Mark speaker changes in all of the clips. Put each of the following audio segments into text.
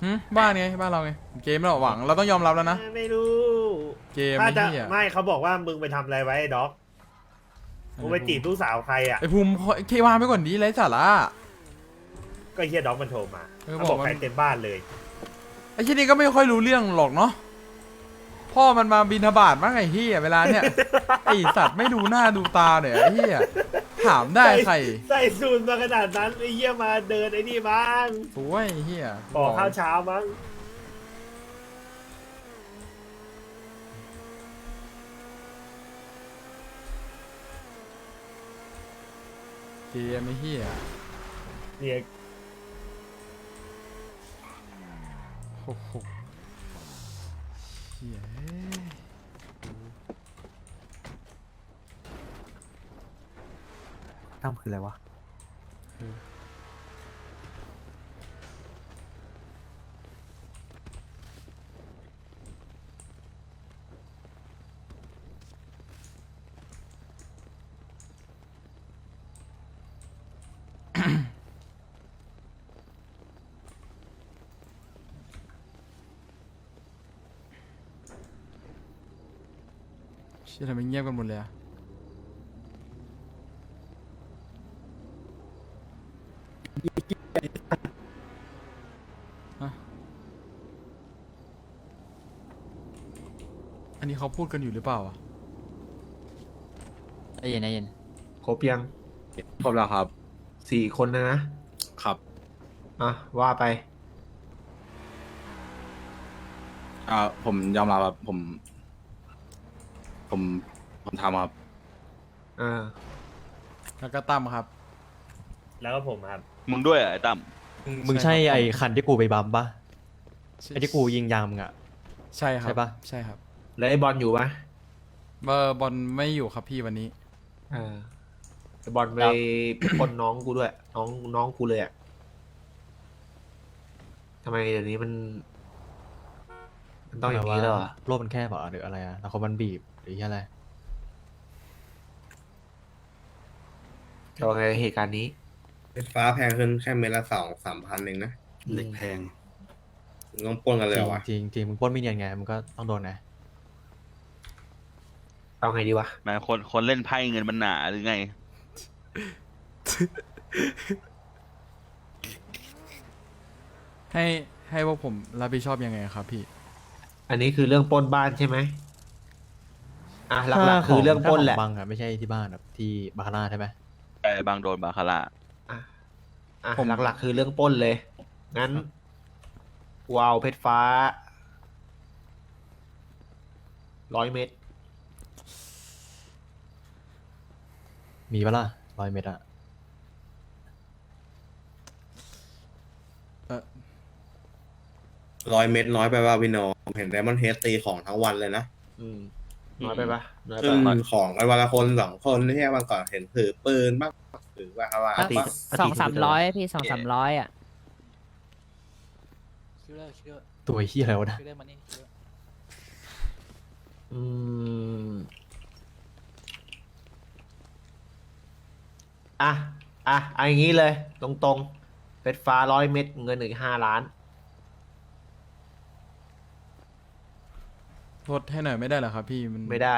Speaker 1: บ้านไงบ้านเราไงเกมเราหวังเราต้องยอมรับแล้วนะ
Speaker 2: ไม่รู้
Speaker 1: เกม
Speaker 2: ถ้าจะ
Speaker 1: ไอ้เหี้ย
Speaker 2: ไม่เขาบอกว่ามึงไปทำอะไรไว้ไอ้ด็อกมึงไปจีบลูกสาวใครอ่ะ
Speaker 1: ไอ้ภูมิเควางไปก่อนดีไร้สาระ
Speaker 2: ก็เฮียด็อกมันโทรมา
Speaker 1: เออ
Speaker 2: เขาบอก
Speaker 1: บอกว่า
Speaker 2: ใครเต็มบ้านเลย
Speaker 1: ไอ้ที่นี่ก็ไม่ค่อยรู้เรื่องหรอกเนาะพ่อมันมาบิณฑบาตมั้งไอ้เหี้ยเวลาเนี้ย ไอ้สัตว์ไม่ดูหน้าดูตาเนี่ยไอ้เหี้ยถามได้ใคร
Speaker 2: ใส่สูตรมาขนาดนั้นไอ้เฮียมาเดินไอ้นี่มั้ง
Speaker 1: สวยไอ้เหี้ย
Speaker 2: ขอข้าวเช้ามั้ง
Speaker 1: เกมไอ้เหี้ย
Speaker 2: เนี่ย
Speaker 1: โอ้โหเหี้ย
Speaker 3: ตั้มคืออะไรวะ
Speaker 1: เชี่ยทำไมเงียบกันหมดเลยอะฮะอันนี้เขาพูดกันอยู่หรือเปล่าอะ
Speaker 4: ใจเย็นใจเย็น
Speaker 5: ครบยัง
Speaker 6: ครบแล้วครับ
Speaker 5: 4 คนนะครับ อ่ะว่าไป
Speaker 6: ผมยอมรับครับผมทำครับ
Speaker 5: อ่า
Speaker 1: แล้วก็ตั้มครับ
Speaker 2: แล้วก็ผมครับ
Speaker 7: มึงด้วยเหรอไอ้ตั้ม
Speaker 3: มึงใช่ไอ้คันที่กูไปบัมปะไอ้ที่กูยิงยางมึงอะ
Speaker 1: ใช่ครับ
Speaker 3: ใช่ปะ
Speaker 1: ใช่ครับ
Speaker 5: แล้วไอ้บอลอยู่ปะ
Speaker 1: บอลไม่อยู่ครับพี่วันนี้
Speaker 5: อ่าไอ้บอลไปปล้นน้องกูด้วย น้องกูเลยอ่ะทำไมเดี๋ยวนี้มันต้องอย่างนี้แล้วอ่ะ
Speaker 3: โลกมันแคบเหรอหรืออะไรอะแล้วเขามันบีบหรืออะไร
Speaker 5: จะว่าไงเหตุการณ์นี้
Speaker 8: ไฟฟ้าแพงขึ้นแค่เม็ดละ2-3 พันเองนะ
Speaker 6: เหล็กแพง
Speaker 8: มึงต้องปล้นกันเลย
Speaker 3: จริ
Speaker 8: เหรง อวะ
Speaker 3: จริงจริงมึงปล้นไม่เนียนไงมึงก็ต้องโดนนะ
Speaker 5: เอาไงดีวะ
Speaker 7: แม่งคนเล่นไพ่เงินมันหนาหรือไง
Speaker 1: ให้พวกผมรับผิดชอบยังไงครับพี่
Speaker 5: อันนี้คือเรื่องปล้นบ้านใช่ไหมอ่ะหลักๆคือเรื่องปล้นแหละ
Speaker 3: ถ้าของบังอะไม่ใช่ที่บ้านแบบที่บาคาร่าใช่ไหม
Speaker 7: ไอ้บางโดนบาคาร่า
Speaker 5: อ่ะ
Speaker 1: ผม
Speaker 5: หลักๆคือเรื่องปล้นเลย งั้นกูเอาเพชรฟ้า100 เม็ด
Speaker 3: มีปะล่ะ100 เม็ดอะ
Speaker 8: 100 เม็ดน้อยไปว่าพี่โนผมเห็นไดมอนเฮดตีของทั้งวันเลยนะ
Speaker 5: น้อยไปปะน้อย
Speaker 8: ซึ่
Speaker 5: ไป
Speaker 8: งของกันวันละคน2 คนที่แค่วันก่อนเห็นถือปืนบ้างถือว่าอะไร
Speaker 5: ปกติ
Speaker 8: บ้าง
Speaker 4: 200-300พี่200-300อ่ะ
Speaker 3: ตัวเฮียอะไรวะนะ
Speaker 5: อืมอ่ะเอาอย่างนี้เลย ตรงๆเพชรฟ้า100 เม็ดเงินอีก5 ล้าน
Speaker 1: ลดให้หน่อยไม่ได้เหรอครับพี่มัน
Speaker 5: ไม่ได้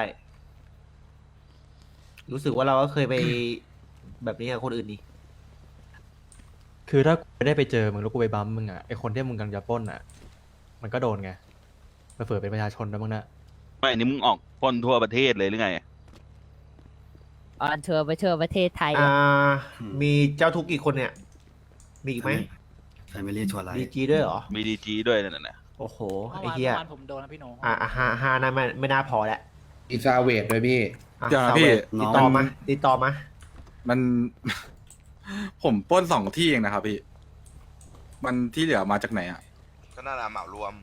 Speaker 5: รู้สึกว่าเราก็เคยไปแบบนี้กับคนอื่นนี่
Speaker 3: คือถ้ากูไม่ได้ไปเจอมึงแล้วกูไปบัมมึงอะไอคนที่มึงกำลังจะปล้นอะมันก็โดนไงเผื่อเป็นประชาชนนะมึงนะ
Speaker 7: ไม่อันนี้มึงออกปล้นทั่วประเทศเลยหรือไง
Speaker 4: ออนทัวร์ไปทั่วประเทศไทย
Speaker 5: มีเจ้าทุกข์กี่คนเนี่ย มีอีกไหม
Speaker 6: ใครไม่เรียกชวนอะไร
Speaker 5: ดีจีด้วยเหรอ
Speaker 7: มีดีจีด้วยนั่นน่ะ
Speaker 5: โอ้โห ไอ้เหี้ยผมโดนนะพี่โนห้าน่าไม่น่าพอแล้ว
Speaker 8: อีซาเวทด้วยพี่
Speaker 5: อ่ะ
Speaker 6: เดี๋ยวนะ
Speaker 5: สาว
Speaker 6: พี่
Speaker 5: เวท
Speaker 6: น้
Speaker 5: ติ
Speaker 6: อ
Speaker 5: ด
Speaker 6: ง
Speaker 5: ต่อมาติดต่อมา
Speaker 6: มัน ผมปล้น2 ที่เองนะครับพี่ มันที่เหลือมาจากไหนอ่ะ
Speaker 9: ก็น่าจะเหมารวม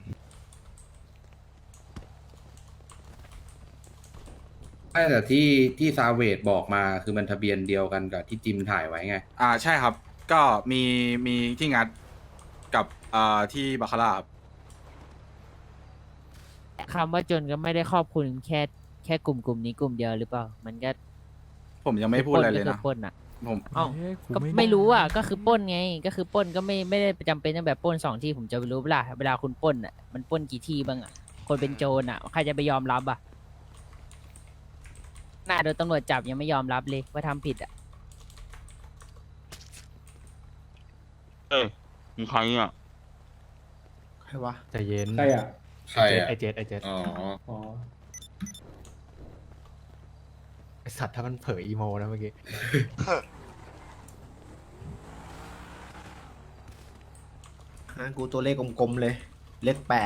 Speaker 8: ไม่แต่ที่ซาเวทบอกมาคือมันทะเบียนเดียวกันกับที่จิมถ่ายไว้ไง
Speaker 6: ใช่ครับ ก็มีที่งัดกับที่บาคาร่าครับ
Speaker 4: คำว่าจนก็ไม่ได้ครอบคลุมแค่กลุ่มนี้กลุ่มเดียวหรือเปล่า มันก็
Speaker 6: ผมยังไม่พูดอะไรเลย
Speaker 4: ปล้
Speaker 6: นะ
Speaker 4: ก็คือปล้นอ่ะ
Speaker 6: ผม
Speaker 4: เอ้า
Speaker 1: เฮ้ย
Speaker 4: ก็ไม่รู้อ่ะก็คือปล้นไงก็คือปล้นก็ไม่ได้จำเป็นต้องแบบปล้น2 ที่ผมจะไปรู้เวลาคุณปล้นอ่ะมันปล้นกี่ที่บ้างอ่ะคนเป็นโจรอ่ะใครจะไปยอมรับอ่ะหน้าโดนตำรวจจับยังไม่ยอมรับเลยว่าทำผิดอ่ะ
Speaker 7: เอ้ยมึงใครอ่ะ
Speaker 5: ใครวะ
Speaker 3: ใจเย็น
Speaker 9: ใครอ่ะ
Speaker 8: ใครอ่ะ
Speaker 3: ไอเจ็ดไอเจ็ด
Speaker 8: อ๋อ
Speaker 9: อ๋อ
Speaker 3: ไอสัตว์ถ้ามันเผยอีโมนะเมื่อกี้
Speaker 5: กูตัวเลขกลมๆเลย เลข8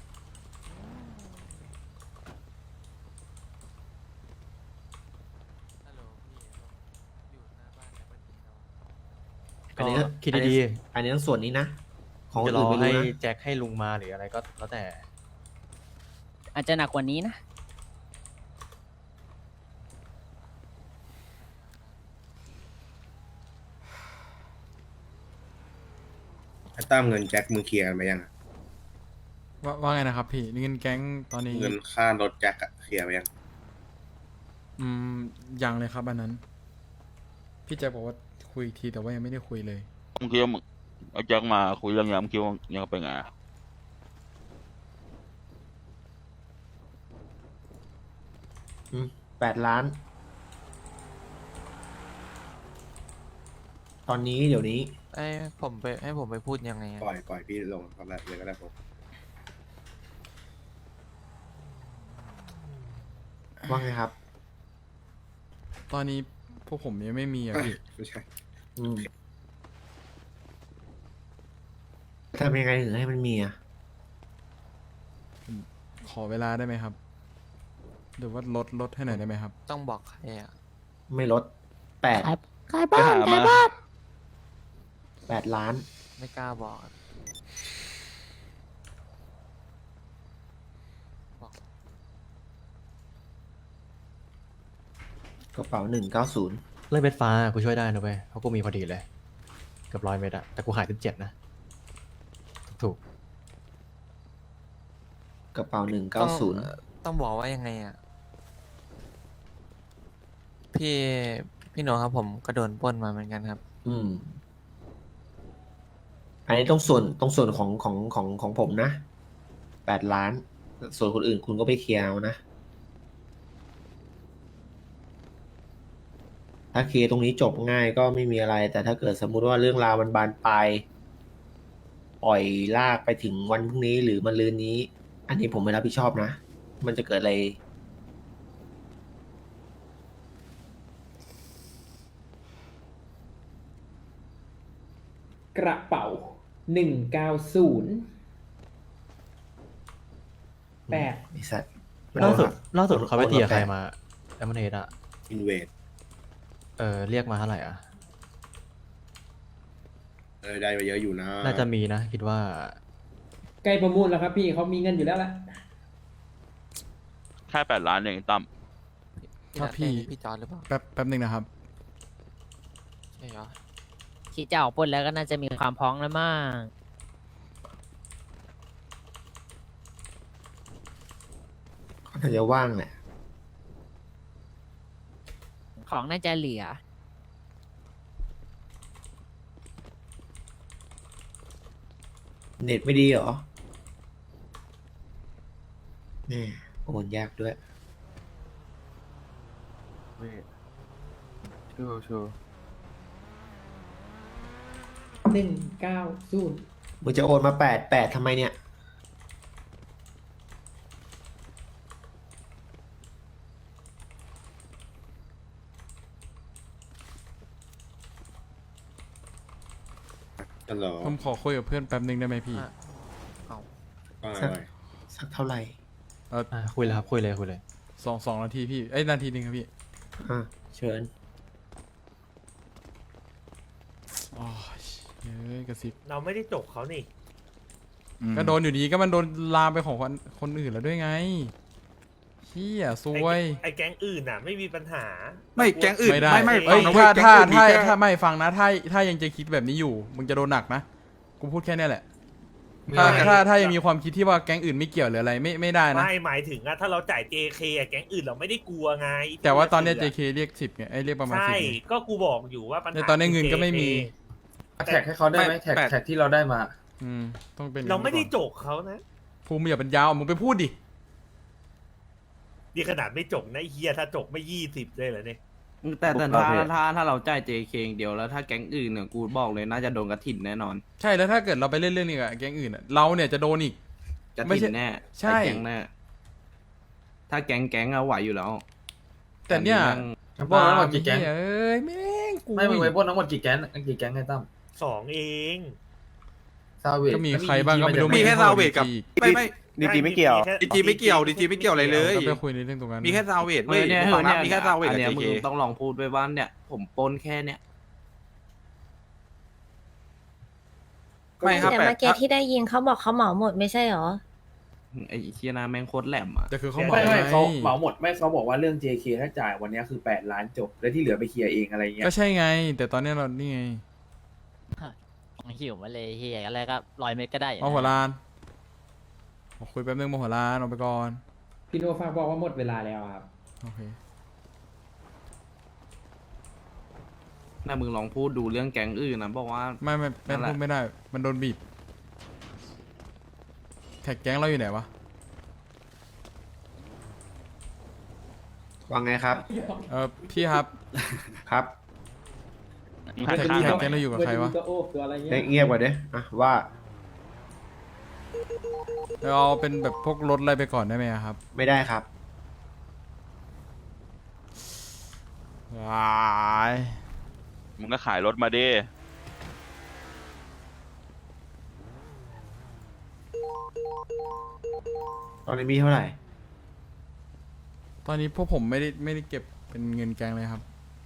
Speaker 5: อั
Speaker 3: ก็
Speaker 5: นนี้
Speaker 3: คิดดี
Speaker 5: อันนี้ต้องส่วนนี้นะ ของ
Speaker 3: ๆ
Speaker 5: คน
Speaker 3: จะร
Speaker 5: อื่
Speaker 3: อน
Speaker 5: ไม่
Speaker 3: ให้
Speaker 5: รู้นะ
Speaker 3: แจ็คให้ลุงมาหรืออะไรก็แล้วแต่
Speaker 4: อาจจะหนักกว่านี้นะ
Speaker 8: ไอ้ตั้มเงินแจ็คมึงเคลียร์กันไปยังอะ
Speaker 1: ว่าไงนะครับพี่เงินแก๊งตอนนี้
Speaker 8: เงินค่ารถแจ็คอะเคลียร์ไปยัง
Speaker 1: ยังเลยครับอันนั้น พี่แจ็คบอกว่าคุยอีกทีแต่ว่ายังไม่ได้คุยเลย
Speaker 7: มึงคิดว่ามึงเอาแจ็คมาคุยเรื่องยามงคิดว่ายังเป็นไงอะ
Speaker 5: 8 ล้าน ตอนนี้เดี๋ยวนี้
Speaker 10: ให้ผมไปพูดยังไงอะ
Speaker 8: ปล่อยพี่ลงตอนแรกเลยก็ได้ผม
Speaker 5: ว่าไงครับ
Speaker 1: ตอนนี้พวกผมยังไม่มีอ่ะพี่
Speaker 8: ไม่ใช่
Speaker 5: อืมทำยังไงถึงให้มันมีอ่ะ
Speaker 1: ขอเวลาได้ไหมครับหรือว่าลดให้หน่อยได้ไหมครับ
Speaker 10: ต้องบอกใครอ่ะ
Speaker 5: ไม่ลด
Speaker 4: ขายบ้านขายบ้าน
Speaker 5: 8 ล้าน
Speaker 10: ไม่กล้าบอกอะ
Speaker 5: กระเป๋า190
Speaker 3: เรื่องเม็ดฟ้ากูช่วยได้นะเว้ยเพราะกูมีพอดีเลยเกือบ100 เม็ดอะแต่กูหาย17นะถูก
Speaker 5: กระเป๋า
Speaker 10: ต้องบอกว่ายังไงอ่ะ พี่โนครับผมก็โดนปล้นมาเหมือนกันครับ
Speaker 5: อืม อันนี้ต้องส่วนของผมนะ 8 ล้าน ส่วนคนอื่นคุณก็ไปเคลียร์เอานะ ถ้าเคลียร์ตรงนี้จบง่ายก็ไม่มีอะไร แต่ถ้าเกิดสมมุติว่าเรื่องราวมันบานปลายปล่อยลากไปถึงวันพรุ่งนี้หรือมะรืนนี้ อันนี้ผมไม่รับผิดชอบนะ มันจะเกิดอะไร
Speaker 9: กระเป๋า 190 8
Speaker 5: ไอ้สัตว์
Speaker 3: ล่าสุดเขาไปเทียร์ใครมาแอมเนตอะ
Speaker 8: อินเวด
Speaker 3: เรียกมาเท่าไหร่อะ
Speaker 8: ได้ไปเยอะอยู่นะ
Speaker 3: น่าจะมีนะ คิดว่า
Speaker 9: ใกล้ประมูลแล้วครับพี่เขามีเงินอยู่แล้วแหละ
Speaker 7: แค่8 ล้านเองตั้ม
Speaker 1: ครับพี่
Speaker 10: พี่จอร์จหรือเปล่า
Speaker 1: แป๊บหนึ่งนะครับ
Speaker 10: ใช่เหรอ
Speaker 4: คิดจะออกปล้นแล้วก็น่าจะมีความพร้อมแล้วมาก
Speaker 5: เขาน่าจะว่างแหละ
Speaker 4: ของน่าจะเหลือ
Speaker 5: เน็ตไม่ดีเหรอแม่โอนยากด้วย
Speaker 10: ชู
Speaker 9: 190
Speaker 5: มึงจะโอนมา8 ทำไมเนี่ย
Speaker 8: ตลอด
Speaker 1: ผมขอคุยกับเพื่อนแป๊บหนึ่งได้ไหมพี่
Speaker 8: ว่า
Speaker 5: สัก
Speaker 8: ไง
Speaker 5: สักเท่าไหร่
Speaker 3: คุยเลยครับคุยเลย
Speaker 1: สองนาทีพี่นาทีหนึ่งครับพี่
Speaker 5: อ่ะ เชิญ
Speaker 1: อ๋อเฮ้ยกระซิบ
Speaker 2: เราไม่ได้จกเขานี่
Speaker 1: ก็โดนอยู่ดีก็มันโดนลามไปของคนอื่นแล้วด้วยไงเฮียซวย
Speaker 2: ไอ้แก๊งอื่นน่ะ ไม่มีปัญหา
Speaker 6: ไม่แก๊งอื่น
Speaker 1: ไม่ได้
Speaker 6: ไม่
Speaker 1: เอ้ย
Speaker 6: ฟังนะเว้ย
Speaker 1: ถ้า
Speaker 6: แก๊งอื่นมีแค่
Speaker 1: ถ้าไม่ฟังนะถ้ายังจะคิดแบบนี้อยู่ มึงจะโดนหนักนะกูพูดแค่เนี้ยแหละถ้ายังมีความคิดที่ว่าแก๊งอื่นไม่เกี่ยวหรืออะไรไม่ได้นะ
Speaker 2: ไม่หมายถึงอะถ้าเราจ่าย JK อะแก๊งอื่นเราไม่ได้กลัวไง
Speaker 1: แต่ว่าตอนเนี้ย JK เรียก10ไงเรียกประมาณ
Speaker 2: ใช่
Speaker 1: 10ไง
Speaker 2: ก็กูบอกอยู่ว่าปัญ
Speaker 1: แต่
Speaker 2: หา
Speaker 1: ตอนนี้เงินก็ไม่มี
Speaker 2: แท็กให้เขาได้ไหม
Speaker 6: แท็กที่เราได้มา
Speaker 1: ต้องเป็น
Speaker 2: เราไม่ได้จกเขานะ
Speaker 1: ภูมิอย่าเป็นยาวมึงไปพูดดิ
Speaker 2: ดีขนาดไม่จกนะไอ้เฮียถ้าจกไม่20เลยเหรอเนี่ย
Speaker 11: แต่ถ้าเราจ่าย JK อย่างเดียวแล้วถ้าแก๊งอื่นเนี่ยกูบอกเลยน่าจะโดนกระถิ่นแน่นอน
Speaker 1: ใช่แล้วถ้าเกิดเราไปเล่นเรื่องนี้กับแก๊งอื่นอะเราเนี่ยจะโดนอีก
Speaker 11: กระ
Speaker 1: ไม่
Speaker 11: ถิ่
Speaker 1: ใช่
Speaker 11: นแน่
Speaker 1: ใช่
Speaker 11: แก๊งแน่ถ้าแก๊งเอาไหวอยู่แล้ว
Speaker 1: แต่เนี่ย
Speaker 11: ปล้นทั้งหมดกี่แก๊ง
Speaker 1: เอ้ยแม่งกู
Speaker 11: ไม่มึงไปปล้นทั้งหมดกี่แก๊งไงตั้ม
Speaker 2: 2 เอง
Speaker 1: ก็มีใครบ้างก็ไม่รู้
Speaker 6: มีแค่ซาเวทกับ ไม่
Speaker 2: ดีจีไม่เกี่ยว
Speaker 6: ดีจีไม่เกี่ยวดีจีไม่เกี่ยวอะไรเลย
Speaker 1: ต้องไปคุยในเรื่องตรงนั้น
Speaker 6: มีแค่ซาเวทเว้ย
Speaker 11: เนี่ย
Speaker 6: ฝั่งนั้นมีแค่ซาเวท
Speaker 11: อัน
Speaker 6: กับ
Speaker 11: เนี้ย
Speaker 6: JK
Speaker 11: มึงต้องลองพูดไปว่าเนี่ย ผมปล้นแค่เนี่ย
Speaker 6: ไม่ครับ
Speaker 12: แต่
Speaker 6: แต่
Speaker 12: เมื่อกี้ที่ได้ยินเขาบอกเขาเหมาหมดไม่ใช่หรอ
Speaker 11: ไอ้เชียนาแม่งโคตรแหลมอ่ะ
Speaker 1: แต่คือเขา
Speaker 13: ไม่
Speaker 1: เขา
Speaker 13: เหมาหมดไม่เขาบอกว่าเรื่อง JK ถ้าจ่ายวันนี้คือ8 ล้านจบ แล้วที่เหลือไปเคลียร์เองอะไรเงี้ย
Speaker 1: ก็ใช่ไง แต่ตอนเนี้ยเรานี่ไง
Speaker 4: หิวมาเลยเฮียอะไรก็100 เมตรก็ได้
Speaker 1: มาหัวลานบอกคุยแป๊บนึงมาหัวลานออกไปก่อน
Speaker 9: พี่โนฝากบอกว่าหมดเวลาแล้วครับ
Speaker 1: โอเค
Speaker 11: น่ามึงลองพูดดูเรื่องแก๊งอื่นนะบอกว่า
Speaker 1: ไม่
Speaker 11: นั่นแหละ
Speaker 1: พูดไม่ได้ มันโดนบีบแท็กแก๊งเราอยู่ไหนวะ
Speaker 5: ว่าไงครับ
Speaker 1: พี่ครับ
Speaker 5: ครับ
Speaker 1: แท็กแก๊งเราอยู่กับใครวะ
Speaker 9: ตัวโอ้ตัวอะไรเงี้ย
Speaker 5: เงียบกว่าเด้อ่ะว่า
Speaker 1: เราเอาเป็นแบบพวกรถอะไรไปก่อนได้ไหมครับ
Speaker 5: ไม่ได้ครับ
Speaker 1: ว้าย
Speaker 7: มึงก็ขายรถมาดิ
Speaker 5: ตอนนี้มีเท่าไหร่
Speaker 1: ตอนนี้พวกผมไม่ได้เก็บเป็นเงินแก๊งเลยครับ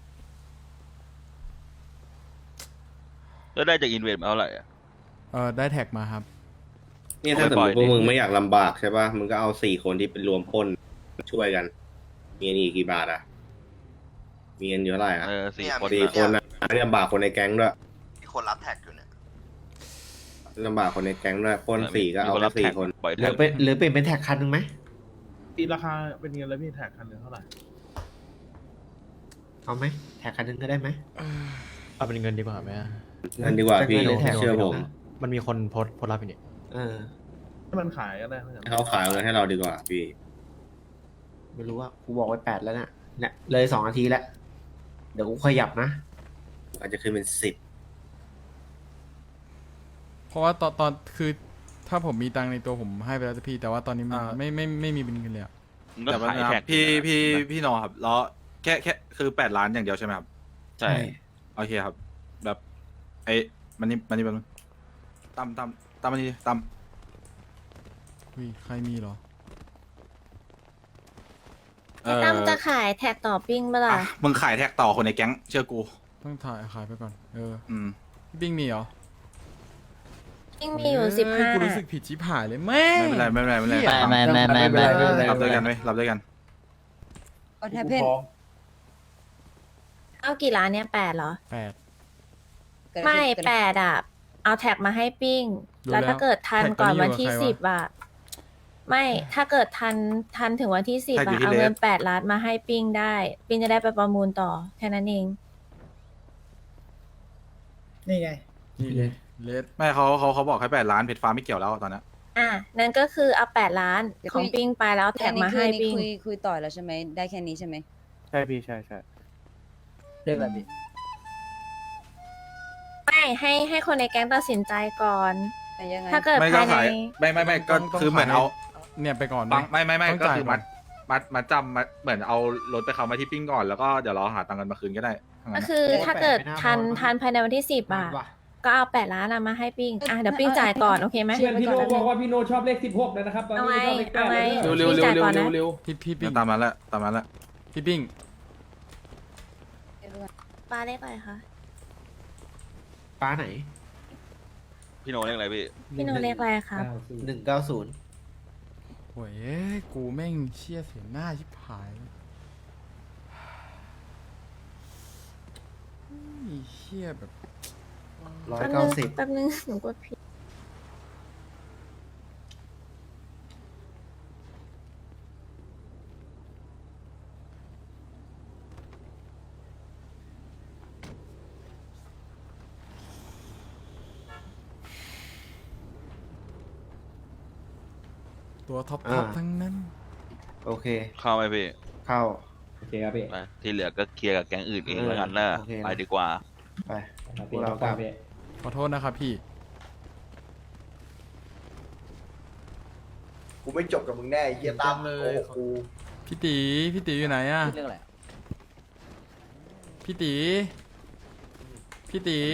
Speaker 7: แล้วได้จากอินเวสมาเท่าไหร่อะ
Speaker 1: ได้แท็กมาครับ
Speaker 8: เนี่ยถ้าสมมติพวกมึงไม่อยากลำบากใช่ป่ะ มึงก็เอา4 คนที่เป็นรวมปล้นช่วยกัน มีเงินอีกกี่บาทอ่ะ มีเงินอยู่เท่าไหร่อ่ะ
Speaker 7: 4 คน
Speaker 8: 4 คนอ่ะไม่ลำบากคนในแก๊งด้วย
Speaker 5: มีคนรับแท็กอยู่เนี่ย
Speaker 8: ลำบากคนในแก๊งด้วยปล้น4ก็เอาแค่4 คน
Speaker 7: ปล่อย
Speaker 5: ห
Speaker 7: แท็
Speaker 5: รื
Speaker 7: ก
Speaker 5: อเป็นแท็กคันหนึ่งไหม
Speaker 13: ตีราคาเป็นเงินแล้วพี่แท็กคันหนึ่งเท่าไหร่
Speaker 5: เอาไหมแท็กคันหนึ่งก็ได้ไหม
Speaker 3: เอาเป็นเงินดีกว่าไหม
Speaker 8: นั่นดีกว่าพี่
Speaker 5: เป็นเงินหรือแท็ก
Speaker 8: เชื่อผม
Speaker 3: มันมีคนโพสต์รับอยู่นี่
Speaker 13: ให้มันขายก็ได้ไม่ใช่
Speaker 8: ให้เขาขายเอาเงินให้เราดีกว่าพี่
Speaker 5: ไม่รู้ว่ากูบอกไว้8แล้วเนี่ยเลย2 นาทีแล้ว เดี๋ยวกูขยับนะ
Speaker 8: อาจจะขึ้นเป็น10
Speaker 1: เพราะว่าตอนคือถ้าผมมีตังค์ในตัวผมให้ไปแล้วแต่พี่ แต่ว่าตอนนี้มันไม่มีเป็นเงินเลยอะ
Speaker 7: มึงก็
Speaker 6: แต่ว่า
Speaker 7: ขายแท็ก
Speaker 6: พี่โนครับแล้วแค่คือ8 ล้านอย่างเดียวใช่ไหมครับ
Speaker 7: ใช่
Speaker 6: โอเคครับ แบบมันนี่แบบตำมันนี่ตำ
Speaker 1: อุ้ยใครมีเหรอ
Speaker 12: ตั้มจะขายแท็กต่อปิ้งเมื่อไหร่
Speaker 6: อ่ะมึงขายแท็กต่อคนในแก๊งเชื่อกู
Speaker 1: ต้องถ่ายขายไปก่อน
Speaker 6: อืม
Speaker 1: พี่ปิ้งมีเหรอ
Speaker 12: ปิ้งมีอยู่
Speaker 1: เฮ้กูรู้สึกผิดชิบหายเลยแม่
Speaker 6: ไม่เป็นไรไม่เป็นไรไม่เป็นไร
Speaker 1: เหี้ย
Speaker 4: ไม่
Speaker 6: รับด้วยกันเว้ยรับด้วยกัน
Speaker 13: ก็แทบเพน
Speaker 12: เอากี่ล้านเนี่ย8เหรอ
Speaker 1: 8
Speaker 12: ไม่8อ่ะ เอาแท็กมาให้ปิ้ง
Speaker 1: รู้
Speaker 12: แล้วถ้าเกิดทัน
Speaker 1: แท็กต
Speaker 12: ก่
Speaker 1: อ
Speaker 12: อน น
Speaker 1: นี้
Speaker 12: วันที่
Speaker 1: อยู่กับใครวะ
Speaker 12: 10อ่ะ ไม่ถ้าเกิดทันถึงวันที่10
Speaker 6: แท็กอยู่ที่
Speaker 12: อ่ะเอาเงิน
Speaker 6: เลฟ
Speaker 12: 8 ล้านมาให้ปิ้งได้ ปิ้งจะได้ไปประมูลต่อแค่นั้นเอง
Speaker 13: นี่ไง
Speaker 1: นี่เลยเลส
Speaker 6: ไม่เขาบอกให้8 ล้านเพชรฟ้าไม่เกี่ยวแล้วตอนนี้
Speaker 12: อ่ะนั่นก็คือเอา8 ล้านของปิ้งไปแล้วเอาแท็กมาให้ปิ้ง
Speaker 14: คุยต่อแล้วใช่ไหมได้แค่นี้ใช่ไหม
Speaker 11: ใช่พี่ใช่
Speaker 9: เรื่องแบบนี้
Speaker 12: ไม่ให้คนในแก๊งตัดสินใจก่อน
Speaker 14: แต่ยังไง
Speaker 12: ถ้าเกิด
Speaker 6: ไม่
Speaker 12: ภา
Speaker 6: ก็
Speaker 12: ยใน
Speaker 6: ขายไม่ก็คือเหมือนเอา
Speaker 1: เนี่ยไปก่อน
Speaker 6: บังไม่
Speaker 1: ต้อง
Speaker 6: ก็
Speaker 1: จ่าย
Speaker 6: คือ
Speaker 1: ก่อน
Speaker 6: มัดจำเหมือนเอารถไปเขามาที่ปิ้งก่อนแล้วก็เดี๋ยวเราหาตังค์กันมาคืนก็ได้ทั้ง
Speaker 12: ก็
Speaker 6: นั้น
Speaker 12: คือถ้าเกิดทันภายในวันที่10อ่ะก็เอา8 ล้านมาให้ปิ้งอ่ะเดี๋ยวปิ้งจ่ายก่อนโอเคไหม
Speaker 9: เพื่อนพี่โนบอกว่าพี่โนชอบเลข16เลยนะครับ ตอนนี้ชอบเลข
Speaker 12: เอาไว้
Speaker 9: 8
Speaker 12: เร็วๆเร็ว
Speaker 1: พี่ปิ้ง
Speaker 6: ตามนั้นแหละตามนั้นแหละ
Speaker 1: พี่ปิ้ง
Speaker 12: ปลาเลขอะไรคะ
Speaker 5: ป้าไหน
Speaker 7: พี่โนเรียกอะไรพี่
Speaker 12: พี่โนเลขอะไรครับ
Speaker 5: 190
Speaker 1: โอ้ยกูแม่งเชี่ยเสียหน้าชิบหายเชี่ยแบบ
Speaker 5: 190
Speaker 12: แป๊บนึงหนูกดผิด
Speaker 1: ตัวท็อป
Speaker 5: อ่า
Speaker 1: ทั้งนั้น
Speaker 5: โอเค
Speaker 7: เข้าไหมพี่
Speaker 5: เข้า
Speaker 9: โอเคครับพี่
Speaker 7: ไปที่เหลือก็เคลียร์กับแก๊งอื่นเองแล้วกันนะ
Speaker 5: โอเคนะ
Speaker 7: ไปดีกว่า
Speaker 5: ไป
Speaker 9: ครับ
Speaker 5: พว
Speaker 9: พี่
Speaker 5: กเรา
Speaker 9: เรา
Speaker 5: กลับ
Speaker 9: พี่
Speaker 1: ขอโทษนะครับพี่
Speaker 15: กูไม่จบกับมึงแน่ไอ้เฮียตั้ม
Speaker 1: เลย
Speaker 15: โอ้โหกู
Speaker 1: พี่ตีอยู่ไหนอะ
Speaker 4: เรื่องอะไร
Speaker 1: พี่ตี